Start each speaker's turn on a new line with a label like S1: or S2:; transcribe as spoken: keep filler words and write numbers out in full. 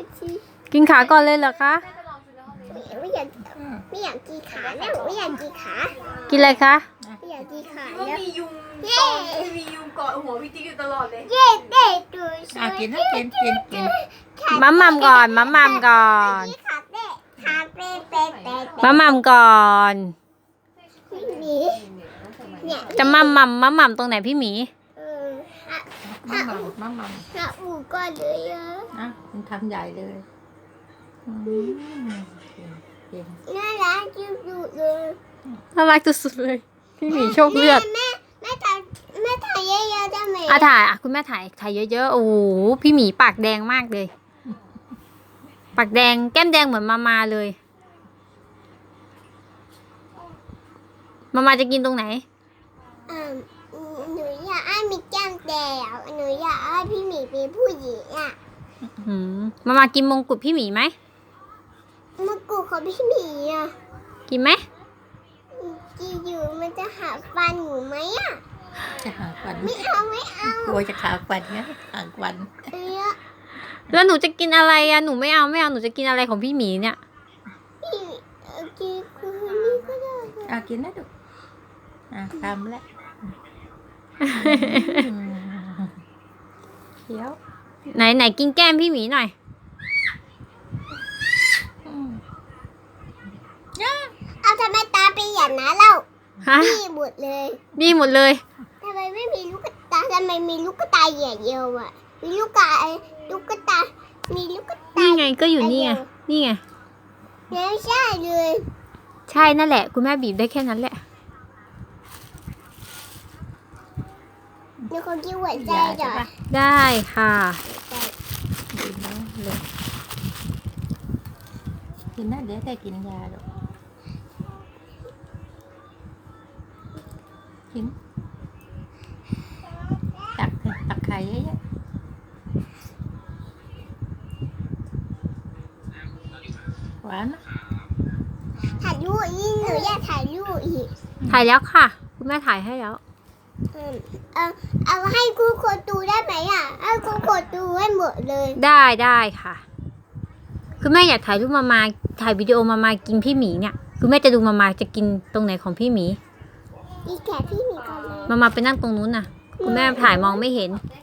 S1: กินขาก่อนเลยเหรอคะ
S2: ไม่อยากไม่อยากกินขาแล้วไม่อยากกินขา
S1: กินอะไรคะ
S2: ไม่อยากกินขา
S3: ว่า
S2: แล้ว
S3: มียุงเย้มียุงเกาะหัวพี่ติ๊กอยู่ตลอดเลย
S2: เย้เด็กดูส
S4: อ่ะ
S2: วย
S4: กินนะกินกินกิน
S1: มัมมัมก่อนมัมมัมก่อน
S2: ขาเด็กขาเป๊ะเป๊ะเป๊ะ
S1: มัมมัมก่อน
S2: ไม่มีเนี่ย
S1: จะมัมมัมมัมมัมตรงไหนพี่หมี
S2: เอออ่ะ
S4: มั่งมั่งมั่งมั่ง
S2: อ่ะอูก็เลยอ่ะ
S4: นะมันทำใหญ่เลยอืมเก่ง
S2: น่ารักจุดๆเลย
S1: น่ารักสุดๆเลยพี่หมีโชคเลือด
S2: แม่แม่ถ่ายแม่ถ่ายเยอะๆได้ไหม
S1: อ่ะถ่ายอ่ะคุณแม่ถ่ายถ่ายเยอะๆโอ้โหพี่หมีปากแดงมากเลย ปากแดงแก้มแดงเหมือนมามาเลยมามาจะกินตรงไหน
S2: อ่าหนูอยากให้มีแก้มแดงหนูอยากให้พี่หมีเป็นผู้หญิงอ่ะ
S1: อืมมามากินมงกุฎพี่หมีไหม
S2: มะกรูดของพี่หมีอ่ะ
S1: กินไหม
S2: จีอยู่มันจะหาฟันหนูไหมอ่ะ
S4: จะหาฟัน
S2: ไม่เอาไม่เอา
S4: กลัวจะขาฟันไงหางฟัน
S2: เออ
S1: แล้วหนูจะกินอะไรอ่ะหนูไม่เอาไม่เอาหนูจะกินอะไรของพี่หมีเนี่ย
S2: พี่เออจีคือนี่ก็ได้
S4: อ่ะกินนะดูอ่ะทำแล้วเคี้ยว
S1: ไหนไหนกินแก้มพี่หมีหน่อย
S4: อืม
S2: เอาทำไมตาเป็นอย่างนั้นเล่า
S1: ฮะ
S2: พี่หมดเลย
S1: ดีหมดเลย
S2: ทำไมไม่มีลูกตาทำไมมีลูกตาใหญ่เดียวอ่ะมีลูกตาลูกตามีลูกตา
S1: นี่ไงก็อยู่นี่ไงนี่ไง
S2: ไม่ใช่เลย
S1: ใช่นั่นแหละคุณแม่บีบได้แค่นั้นแหละ
S2: หนูขอกินหัวใจ
S4: ยา
S2: หน่
S4: ใช่
S2: อย
S4: ปะ
S1: ได้ค่ะ
S4: กินนะเลยกินนะเดี๋ยวแต่กินยาหรอกกินตักตักไข่เยอะๆหวานนะ
S2: ถ่ายรูปอีกหนูอยากถ่ายรูปอีก
S1: ถ่ายแล้วค่ะ คุณแม่ถ่ายให้แล้ว
S2: เออเอาเอาให้ครูโคดูได้ไหมอ่ะให้ครูโคดูให้หมดเลย
S1: ได้ได้ค่ะคุณแม่อยากถ่ายรูปมามาถ่ายวิดีโอมามากินพี่หมีเนี่ยคุณแม่จะดูมามาจะกินตรงไหนของพี่หมี
S2: อีแกะพี่หมีก่อนเลย
S1: มามาไปนั่งตรงนู้นน่ะ คุณแม่ถ่ายมองไม่เห็น
S3: ได้